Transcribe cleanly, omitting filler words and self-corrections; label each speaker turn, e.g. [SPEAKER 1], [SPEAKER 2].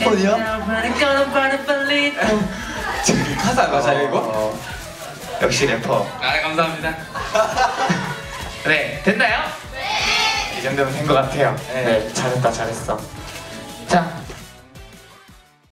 [SPEAKER 1] 10번이요?
[SPEAKER 2] 가사 맞아요 이거? 역시 래퍼.
[SPEAKER 3] 아 감사합니다.
[SPEAKER 2] 네 됐나요? 네. 이 정도면 된 것 같아요. 네 잘했다 잘했어.